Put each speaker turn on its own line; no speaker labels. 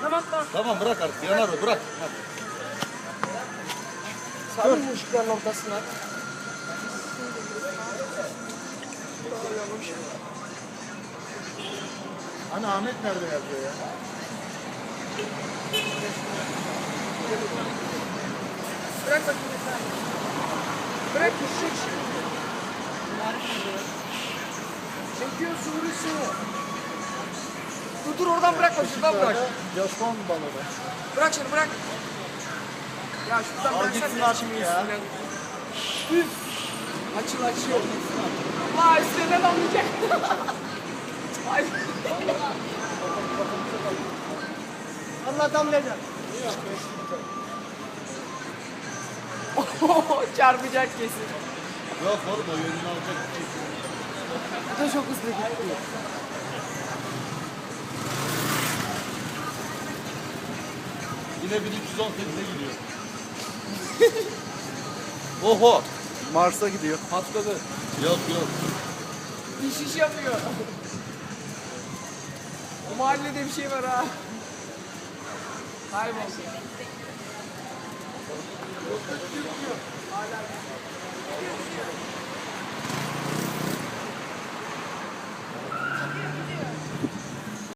Tamam.
Tamam bırak artık. Yanar o bırak.
Sarın ışıkların ortasına.
Hani Ahmet nerede yazıyor ya?
Bırak bakayım. Bırak düşecek şimdi. Çekiyor sürüsü. Dur oradan bırakma şuradan bırak.
Japon balığı.
Bırak şunu bırak. Ya şuradan
Al
bıraksan
gitsin
ne
artık
şimdi
ya.
üstüne. Üf. Açıl. Allah üstüne damlayacak. Ay. Allah damlayacak. Çarpacak kesin.
Yok oğlum o yönünü alacak.
Bu da çok hızlı gitti.
Yine 1318'e gidiyor. Oho.
Mars'a gidiyor.
Patladı.
Yok.
İş yapıyor. Bu mahallede bir şey var ha. Kayboldu. Hala